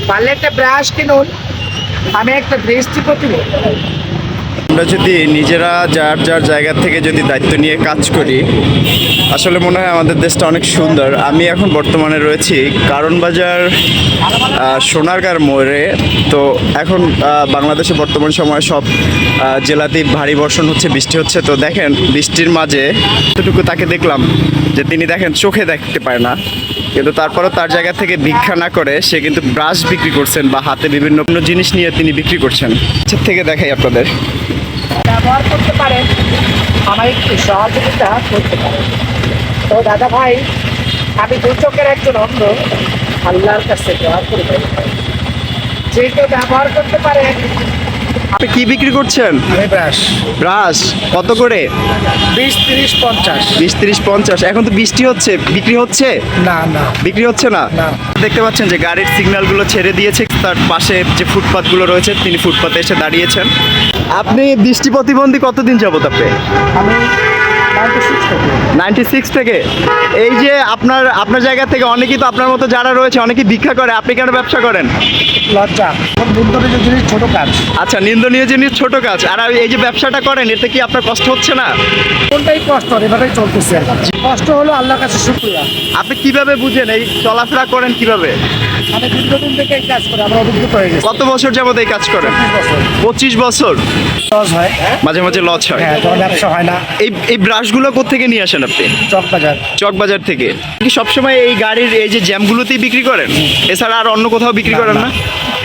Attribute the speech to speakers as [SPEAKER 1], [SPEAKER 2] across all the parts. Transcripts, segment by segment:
[SPEAKER 1] পারলে একটা ব্রাশ কিনুন, আমি একটা দৃষ্টি প্রতিবন্ধী।
[SPEAKER 2] আমরা যদি নিজেরা যার যার জায়গা থেকে যদি দায়িত্ব নিয়ে কাজ করি, আসলে মনে হয় আমাদের দেশটা অনেক সুন্দর। আমি এখন বর্তমানে রয়েছি কারণ বাজার সোনারগাঁর মোড়ে। তো এখন বাংলাদেশে বর্তমান সময়ে সব জেলাতেই ভারী বর্ষণ হচ্ছে, বৃষ্টি হচ্ছে। তো দেখেন বৃষ্টির মাঝে এতটুকু তাকে দেখলাম যে তিনি দেখেন চোখে দেখতে পায় না, কিন্তু তারপরও তার জায়গা থেকে ভিক্ষা না করে সে কিন্তু ব্রাশ বিক্রি করছেন বা হাতে বিভিন্ন জিনিস নিয়ে তিনি বিক্রি করছেন। থেকে দেখাই আপনাদের।
[SPEAKER 1] ব্যবহার করতে পারেন, আমার একটু সহযোগিতা করতে পারেন। তো দাদা ভাই, আমি দু চোখের একজন অন্ধ, আল্লাহর কাছে দোয়া করবেন যে কেউ ব্যবহার করতে পারেন।
[SPEAKER 2] আপনি কি বিক্রি করছেন?
[SPEAKER 1] আমি ব্রাশ
[SPEAKER 2] ব্রাশ কত করে?
[SPEAKER 1] 20, 30, 50।
[SPEAKER 2] 20, 30, 50। এখন তো বৃষ্টি হচ্ছে, বিক্রি হচ্ছে?
[SPEAKER 1] না না
[SPEAKER 2] বিক্রি হচ্ছে না।
[SPEAKER 1] না।
[SPEAKER 2] দেখতে পাচ্ছেন যে গাড়ির সিগন্যালগুলো ছেড়ে দিয়েছে, তার পাশে যে ফুটপাতগুলো রয়েছে তিনি ফুটপাতে এসে দাঁড়িয়েছেন। আপনি দৃষ্টি প্রতিবন্ধী কতদিন যাবত আপনি?
[SPEAKER 1] আমি 96 থেকে।
[SPEAKER 2] 96 থেকে। এই যে আপনার জায়গা থেকে অনেকেই তো আপনার মতো যারা রয়েছে অনেকেই ভিক্ষা করে, আপনি কেন ব্যবসা করেন?
[SPEAKER 1] লজ্জা, নিন্দনীয় জিনিস, ছোট কাজ।
[SPEAKER 2] আচ্ছা, নিন্দনীয় জিনিস, ছোট কাজ। আর এই যে ব্যবসাটা করেন, এতে কি আপনার কষ্ট হচ্ছে না?
[SPEAKER 1] কোনটাই কষ্ট, এভাবেই চলতেছে। কষ্ট হলো আল্লাহর কাছে শুকরিয়া।
[SPEAKER 2] আপনি কিভাবে বুঝেন, এই চলাফেরা করেন কিভাবে?
[SPEAKER 1] আমি দীর্ঘদিন থেকে এই কাজ করি, আমার অভিজ্ঞতা হয়ে গেছে।
[SPEAKER 2] কত বছর যাবত এই কাজ করেন?
[SPEAKER 1] 25 বছর।
[SPEAKER 2] 25 বছর।
[SPEAKER 1] লস হয়,
[SPEAKER 2] মাঝে মাঝে লস হয়।
[SPEAKER 1] হ্যাঁ, তোমার ব্যবসা হয় না।
[SPEAKER 2] এই ব্রাশগুলো কোত্থেকে নিয়ে আসেন আপনি?
[SPEAKER 1] চকবাজার।
[SPEAKER 2] চকবাজার থেকে। কি সবসময় এই গাড়ির এই যে জ্যামগুলোতেই বিক্রি করেন, এছাড়া আর অন্য কোথাও বিক্রি করেন না?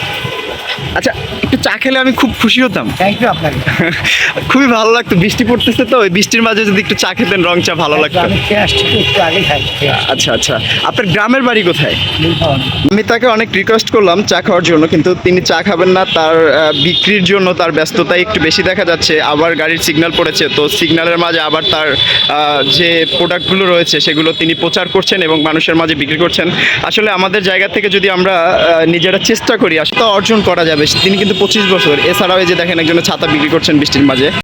[SPEAKER 2] আচ্ছা, একটু চা খেলে আমি খুব খুশি হতাম।
[SPEAKER 1] থ্যাংক ইউ আপনাকে।
[SPEAKER 2] খুবই ভালো লাগতো, বৃষ্টি পড়তেছে তো, ওই বৃষ্টির মাঝে যদি একটু চা খেতেন, রং চা, ভালো লাগতো।
[SPEAKER 1] আমি খেয়ে আসছি, একটু আগে খাই।
[SPEAKER 2] আচ্ছা আচ্ছা, আপনার গ্রামের বাড়ি কোথায়?
[SPEAKER 1] নীলফামারী।
[SPEAKER 2] আমি তাকে অনেক রিকোয়েস্ট করলাম চা খাওয়ার জন্য, কিন্তু তিনি চা খাবেন না। তার বিক্রির জন্য তার ব্যস্ততাই একটু বেশি দেখা যাচ্ছে। আবার গাড়ির সিগন্যাল পড়েছে, তো সিগন্যালের মাঝে আবার তার যে প্রোডাক্টগুলো রয়েছে সেগুলো তিনি প্রচার করছেন এবং মানুষের মাঝে বিক্রি করছেন। আসলে আমাদের জায়গা থেকে যদি আমরা নিজেরা চেষ্টা করি, আসলে অর্জন করা যাবে। তিনি কিন্তু 25 বছর। এছাড়াও এই যে দেখেন একজনের ছাতা বিক্রি করছেন বৃষ্টির মাঝে।